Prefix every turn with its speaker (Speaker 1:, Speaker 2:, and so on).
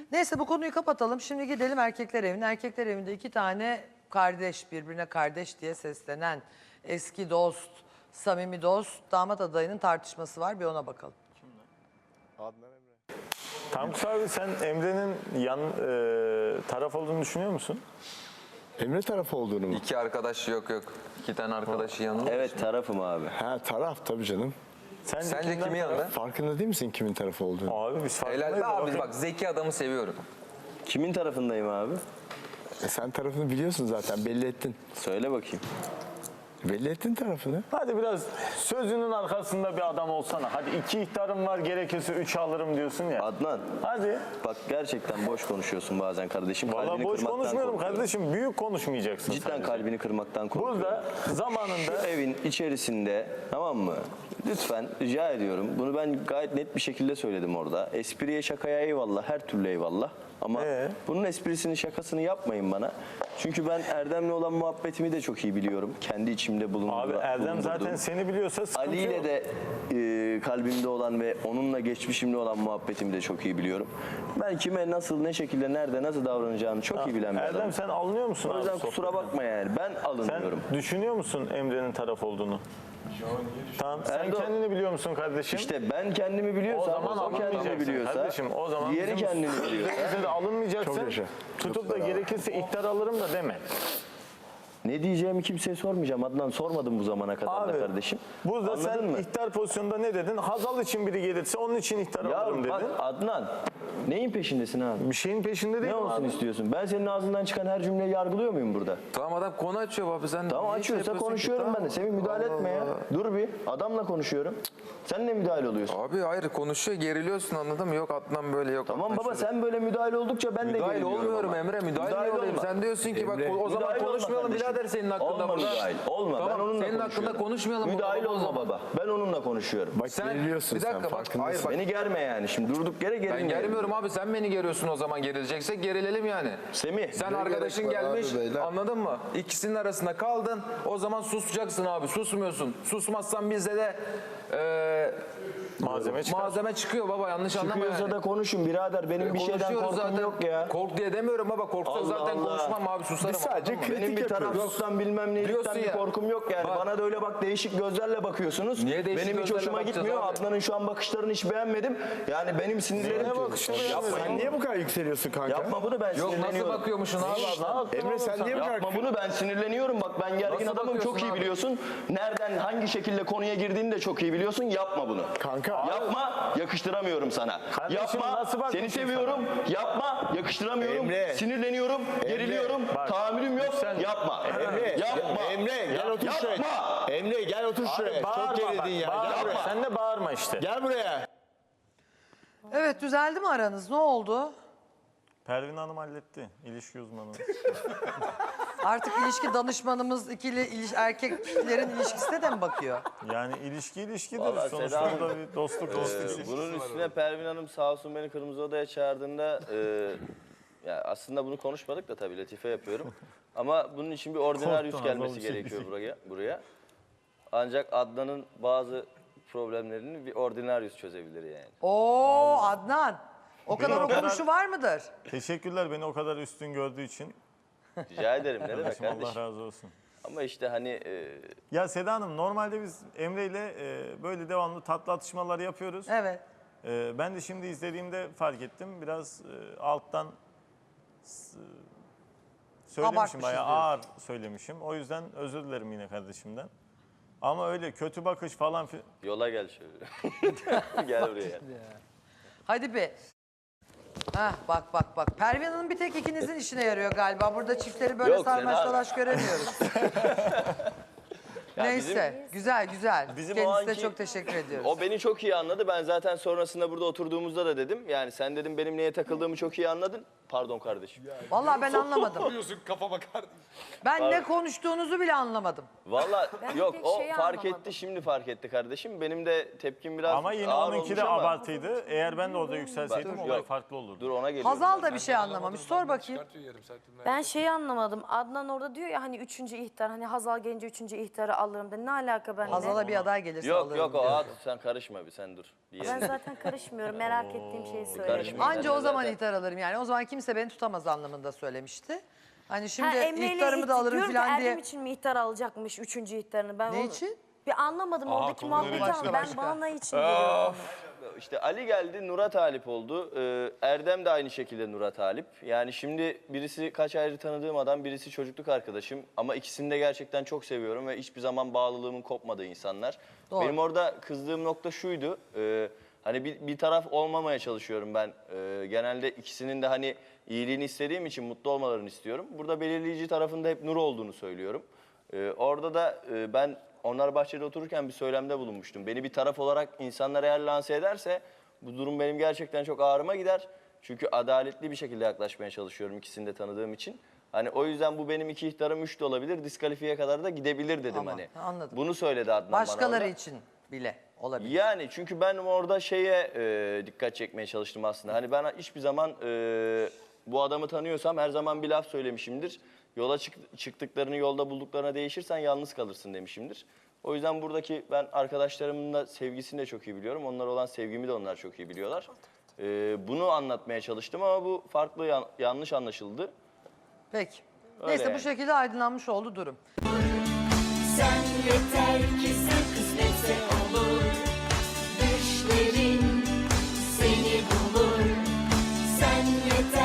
Speaker 1: Neyse bu konuyu kapatalım. Şimdi gidelim erkekler evine. Erkekler evinde 2 tane kardeş, birbirine kardeş diye seslenen eski dost, samimi dost, damat adayının tartışması var. Bir ona bakalım.
Speaker 2: Adnan Emre.
Speaker 3: Tankus abi sen Emre'nin taraf olduğunu düşünüyor musun?
Speaker 2: Emre tarafı olduğunu mu?
Speaker 4: İki arkadaş yok. İki tane arkadaşı yanında.
Speaker 5: Evet tarafım abi.
Speaker 2: Ha taraf tabii canım.
Speaker 4: Sence kimin yanında?
Speaker 2: Farkında değil misin kimin tarafı olduğunu?
Speaker 3: Abi biz farkındayız.
Speaker 4: Helal be abi
Speaker 3: Bakın.
Speaker 4: bak zeki adamı seviyorum.
Speaker 5: Kimin tarafındayım abi?
Speaker 2: Sen tarafını biliyorsun zaten belli ettin.
Speaker 5: Söyle bakayım.
Speaker 2: Belli ettin tarafını.
Speaker 3: Hadi biraz sözünün arkasında bir adam olsana. Hadi 2 ihtarım var gerekirse 3 alırım diyorsun ya.
Speaker 5: Adnan.
Speaker 3: Hadi.
Speaker 5: Bak gerçekten boş konuşuyorsun bazen kardeşim.
Speaker 3: Valla
Speaker 5: Kalbini
Speaker 3: boş
Speaker 5: kırmaktan
Speaker 3: konuşmuyorum
Speaker 5: korkuyorum.
Speaker 3: kardeşim. Büyük konuşmayacaksın
Speaker 5: Cidden
Speaker 3: sadece.
Speaker 5: kalbini kırmaktan korkuyorum.
Speaker 3: Burada zamanında
Speaker 5: Evin içerisinde, tamam mı? Lütfen rica ediyorum. Bunu ben gayet net bir şekilde söyledim orada. Espriye şakaya eyvallah, her türlü eyvallah. Ama bunun esprisini şakasını yapmayın bana. Çünkü ben Erdem'le olan muhabbetimi de çok iyi biliyorum. Kendi içimde bulunduğum.
Speaker 3: abi Erdem zaten seni biliyorsa sıkıntı
Speaker 5: Ali ile
Speaker 3: yok.
Speaker 5: de kalbimde olan ve onunla geçmişimde olan muhabbetimi de çok iyi biliyorum. Ben kime nasıl, ne şekilde, nerede, nasıl davranacağını çok iyi bilen bir
Speaker 3: Erdem
Speaker 5: adamım.
Speaker 3: sen alınıyor musun
Speaker 5: O
Speaker 3: abi
Speaker 5: yüzden
Speaker 3: sohbete?
Speaker 5: kusura bakma yani. Ben
Speaker 3: Sen
Speaker 5: alınıyorum.
Speaker 3: düşünüyor musun Emre'nin taraf olduğunu? Tamam. Sen
Speaker 5: Erdoğan-
Speaker 3: kendini biliyor musun kardeşim?
Speaker 5: İşte ben kendimi biliyorsam,
Speaker 3: O zaman
Speaker 5: o kendini
Speaker 3: alınmayacaksın
Speaker 5: biliyorsa,
Speaker 3: kardeşim. O zaman
Speaker 5: diğeri
Speaker 3: bizim
Speaker 5: kendini biliyorsa.
Speaker 3: Bize de alınmayacaksın.
Speaker 2: Çok yaşa.
Speaker 3: Tutup da gerekirse ihtar alırım da deme.
Speaker 5: Ne diyeceğimi kimseye sormayacağım Adnan. Sormadım bu zamana kadar da kardeşim.
Speaker 3: Burada
Speaker 5: Anladın
Speaker 3: sen
Speaker 5: mı?
Speaker 3: ihtar pozisyonunda ne dedin? Hazal için biri gelirse onun için ihtar alırım
Speaker 5: Ya bak
Speaker 3: dedin.
Speaker 5: Adnan, neyin peşindesin abi?
Speaker 3: Bir şeyin peşinde değil
Speaker 5: Ne
Speaker 3: mi
Speaker 5: olsun
Speaker 3: abi?
Speaker 5: istiyorsun? Ben senin ağzından çıkan her cümleyi yargılıyor muyum burada?
Speaker 4: Tamam adam konu açıyor abi sen.
Speaker 5: Tamam
Speaker 4: niye
Speaker 5: açıyorsa
Speaker 4: yapıyorsun ki?
Speaker 5: konuşuyorum
Speaker 4: Tamam.
Speaker 5: ben de. Semih müdahale
Speaker 4: Allah
Speaker 5: etme ya.
Speaker 4: Allah.
Speaker 5: Dur bir. Adamla konuşuyorum. Sen ne müdahale oluyorsun?
Speaker 4: Abi hayır konuşuyor geriliyorsun anladın mı? Yok Adnan böyle yok.
Speaker 5: Tamam
Speaker 4: Adnan
Speaker 5: baba
Speaker 4: şöyle.
Speaker 5: sen böyle müdahale oldukça ben de
Speaker 4: Müdahil
Speaker 5: geriliyorum
Speaker 4: olmuyorum
Speaker 5: ama.
Speaker 4: Emre, müdahil niye olayım?
Speaker 5: olma.
Speaker 4: Sen diyorsun ki bak
Speaker 2: Emre,
Speaker 4: o zaman
Speaker 5: müdahil olma
Speaker 4: konuşmayalım
Speaker 5: kardeşim.
Speaker 4: birader senin hakkında
Speaker 5: Olma
Speaker 4: burada.
Speaker 5: müdahil, olma.
Speaker 4: Tamam,
Speaker 5: Ben onunla
Speaker 4: senin
Speaker 5: konuşuyorum.
Speaker 4: hakkında konuşmayalım.
Speaker 5: Müdahil
Speaker 4: o
Speaker 5: olma
Speaker 4: zaman.
Speaker 5: baba. Ben onunla konuşuyorum.
Speaker 2: Bak
Speaker 4: Sen
Speaker 2: geriliyorsun
Speaker 4: bir dakika
Speaker 2: sen
Speaker 4: bak
Speaker 2: farkındasın.
Speaker 4: hayır bak.
Speaker 5: Beni germe yani şimdi durduk yere
Speaker 4: Ben
Speaker 5: gerilme.
Speaker 4: germiyorum abi sen beni geriyorsun o zaman gerilecekse gerilelim yani.
Speaker 5: Semih.
Speaker 4: Sen
Speaker 5: ne
Speaker 4: arkadaşın
Speaker 5: gerek var
Speaker 4: gelmiş
Speaker 5: abi beyler?
Speaker 4: anladın mı? İkisinin arasında kaldın o zaman susacaksın abi susmuyorsun. Susmazsan bizde de
Speaker 3: Malzeme çıkar.
Speaker 4: malzeme çıkıyor baba yanlış anlama
Speaker 5: Çıkıyorsa
Speaker 4: yani.
Speaker 5: da konuşun birader. Benim bir şeyden
Speaker 4: Konuşuyoruz
Speaker 5: korkum
Speaker 4: zaten.
Speaker 5: yok ya.
Speaker 4: Kork diye demiyorum baba korksak
Speaker 5: Allah
Speaker 4: zaten
Speaker 5: Allah.
Speaker 4: konuşmam abi susarım.
Speaker 2: Biz sadece
Speaker 4: anladın mı?
Speaker 5: Benim bir
Speaker 2: yapıyoruz.
Speaker 5: tarafsızdan bilmem
Speaker 4: Diyorsun
Speaker 5: neyilikten bir
Speaker 4: ya.
Speaker 5: korkum yok yani.
Speaker 4: Bak.
Speaker 5: Bana da öyle bak değişik gözlerle bakıyorsunuz.
Speaker 4: Niye değişik
Speaker 5: benim hiç
Speaker 4: gözlerle
Speaker 5: hoşuma
Speaker 4: bakacağız
Speaker 5: gitmiyor.
Speaker 4: abi?
Speaker 5: Adnan'ın şu an bakışlarını hiç beğenmedim. Yani benim sinirlerim...
Speaker 2: Sen niye bu kadar yükseliyorsun kanka?
Speaker 5: Yapma bunu ben
Speaker 4: Yok
Speaker 5: sinirleniyorum.
Speaker 4: nasıl bakıyormuşsun abi?
Speaker 2: Emre sen niye bu kadar...
Speaker 5: Yapma bunu ben sinirleniyorum. Bak ben gergin
Speaker 4: Nasıl
Speaker 5: adamım çok
Speaker 4: bakıyorsun
Speaker 5: iyi
Speaker 4: abi?
Speaker 5: biliyorsun. Nereden hangi şekilde konuya girdiğini de çok iyi biliyorsun. Yapma bunu.
Speaker 2: Kanka.
Speaker 5: Yapma yakıştıramıyorum sana.
Speaker 3: Kardeşim,
Speaker 5: Yapma
Speaker 3: nasıl
Speaker 5: seni
Speaker 3: bakmışım
Speaker 5: seviyorum. Yapma yakıştıramıyorum.
Speaker 2: Emre.
Speaker 5: Sinirleniyorum. Geriliyorum.
Speaker 3: Bak.
Speaker 5: Tahammülüm yok.
Speaker 3: Sen-
Speaker 5: Yapma.
Speaker 2: Emre,
Speaker 5: Yapma.
Speaker 2: Emre gel otur şuraya.
Speaker 5: Yapma.
Speaker 2: Emre gel otur şuraya. Çok gerildin ya.
Speaker 3: Bağırma.
Speaker 2: Gel buraya.
Speaker 3: Sen de bağırma işte.
Speaker 2: Gel buraya.
Speaker 1: Evet düzeldi mi aranız? Ne oldu?
Speaker 3: Pervin Hanım halletti. İlişki uzmanı.
Speaker 1: Artık ilişki danışmanımız erkeklerin ilişkisine de mi bakıyor?
Speaker 3: Yani ilişki ilişkidir.
Speaker 5: Vallahi
Speaker 3: Sonuçta
Speaker 5: Seda
Speaker 3: burada bir dostluk ilişkisi.
Speaker 5: Bunun üstüne Pervin Hanım sağ olsun beni Kırmızı Oda'ya çağırdığında ya aslında bunu konuşmadık da tabii latife yapıyorum. Ama bunun için bir ordinaryus
Speaker 3: Korktum,
Speaker 5: gelmesi
Speaker 3: Hazal bir şey
Speaker 5: gerekiyor buraya. Ancak Adnan'ın bazı problemlerini bir ordinaryus çözebilir yani.
Speaker 1: Oo Adnan. O kadar
Speaker 3: o kadar-
Speaker 1: okumuşu var mıdır?
Speaker 3: Teşekkürler beni o kadar üstün gördüğü için.
Speaker 5: Rica ederim ne demek
Speaker 3: Kardeşim, Allah
Speaker 5: kardeşim.
Speaker 3: razı olsun.
Speaker 5: Ama işte hani
Speaker 3: Ya Seda Hanım normalde biz Emre ile böyle devamlı tatlı atışmalar yapıyoruz.
Speaker 1: Evet.
Speaker 3: Ben de şimdi izlediğimde fark ettim. Biraz alttan söylemişim,
Speaker 1: Abartmışız
Speaker 3: bayağı
Speaker 1: diyorsun.
Speaker 3: ağır söylemişim. O yüzden özür dilerim yine kardeşimden. Ama öyle kötü bakış falan
Speaker 5: yola gel şöyle. Gel buraya.
Speaker 1: Hadi be. Hah bak. Pervin Hanım bir tek ikinizin işine yarıyor galiba. Burada çiftleri böyle
Speaker 5: Yok,
Speaker 1: sarmaş
Speaker 5: Seda-
Speaker 1: dolaş göremiyoruz.
Speaker 5: Ya
Speaker 1: Neyse güzel.
Speaker 5: bizim o
Speaker 1: Kendisine
Speaker 5: anki-
Speaker 1: çok teşekkür ediyoruz.
Speaker 5: O beni çok iyi anladı. Ben zaten sonrasında burada oturduğumuzda da dedim. Yani sen dedim benim neye takıldığımı çok iyi anladın. Pardon kardeşim.
Speaker 1: Vallahi ben anlamadım.
Speaker 6: Yapıyorsun kafa bakar.
Speaker 1: Ben ne konuştuğunuzu bile anlamadım.
Speaker 5: Vallahi yok
Speaker 7: tek
Speaker 5: o
Speaker 7: şeyi
Speaker 5: fark
Speaker 7: anlamadım.
Speaker 5: etti şimdi fark etti kardeşim. Benim de tepkim biraz
Speaker 3: ama yine
Speaker 5: ağır
Speaker 3: onunki
Speaker 5: olmuş
Speaker 3: de
Speaker 5: ama.
Speaker 3: abartıydı. Eğer ben de orada yükselseydim
Speaker 5: Bak,
Speaker 3: olay
Speaker 5: yok.
Speaker 3: farklı olurdu.
Speaker 5: Dur ona geliyorum.
Speaker 1: Hazal da bir şey anlamamış. Sor bakayım.
Speaker 6: Çıkartıyor yarım saattir.
Speaker 7: Ben şeyi anlamadım. Adnan orada diyor ya hani üçüncü ihtar, hani Hazal gelince üçüncü ihtarı
Speaker 6: alırım dedi. Ne alaka benimle?
Speaker 1: Hazal'a bir aday gelirse
Speaker 5: Yok
Speaker 1: alırım
Speaker 5: yok o
Speaker 1: diyor.
Speaker 5: at sen karışma bir sen dur. Bir
Speaker 6: Ben
Speaker 5: yerine.
Speaker 6: zaten karışmıyorum. Merak ettiğim şeyi söyledim.
Speaker 5: karışma.
Speaker 1: Anca o zaman
Speaker 5: Zaten-
Speaker 1: ihtar alırım yani. O zaman kimse beni tutamaz anlamında söylemişti. Hani şimdi
Speaker 6: Emre ile
Speaker 1: ihtarımı da alırım
Speaker 6: diyorum ki
Speaker 1: falan diye.
Speaker 6: Erdem için mi ihtar alacakmış 3. ihtarını? Ben
Speaker 1: Ne
Speaker 6: onu
Speaker 1: için?
Speaker 6: Bir anlamadım oradaki muhabbeti
Speaker 1: başka,
Speaker 6: ama
Speaker 1: başka.
Speaker 6: ben bana için diyorum.
Speaker 5: İşte Ali geldi Nur'a talip oldu. Erdem de aynı şekilde Nur'a talip. Yani şimdi birisi kaç aydır tanıdığım adam, birisi çocukluk arkadaşım. Ama ikisini de gerçekten çok seviyorum ve hiçbir zaman bağlılığımın kopmadığı insanlar.
Speaker 1: Doğru.
Speaker 5: Benim orada kızdığım nokta şuydu. Hani bir taraf olmamaya çalışıyorum ben. Genelde ikisinin de hani iyiliğini istediğim için mutlu olmalarını istiyorum. Burada belirleyici tarafında hep Nur olduğunu söylüyorum. Orada da ben onlar bahçede otururken bir söylemde bulunmuştum. Beni bir taraf olarak insanlar eğer lanse ederse bu durum benim gerçekten çok ağrıma gider. Çünkü adaletli bir şekilde yaklaşmaya çalışıyorum ikisini de tanıdığım için. Hani o yüzden bu benim 2 ihtarım 3 de olabilir. Diskalifiye kadar da gidebilir dedim
Speaker 1: Ama,
Speaker 5: hani.
Speaker 1: anladım.
Speaker 5: Bunu söyledi Adnan bana
Speaker 1: Başkaları
Speaker 5: orada.
Speaker 1: için bile olabilir.
Speaker 5: Yani çünkü ben orada şeye dikkat çekmeye çalıştım aslında. Hani ben hiçbir zaman bu adamı tanıyorsam her zaman bir laf söylemişimdir. Yola çıktıklarını yolda bulduklarına değişirsen yalnız kalırsın demişimdir. O yüzden buradaki ben arkadaşlarımın da sevgisini de çok iyi biliyorum. Onlara olan sevgimi de onlar çok iyi biliyorlar. Bunu anlatmaya çalıştım ama bu farklı yanlış anlaşıldı.
Speaker 1: Peki.
Speaker 5: Öyle
Speaker 1: Neyse bu
Speaker 5: yani.
Speaker 1: şekilde aydınlanmış oldu durum.
Speaker 7: Sen yeter ki sen kısmetse olur. Düşlerin seni bulur. Sen yeter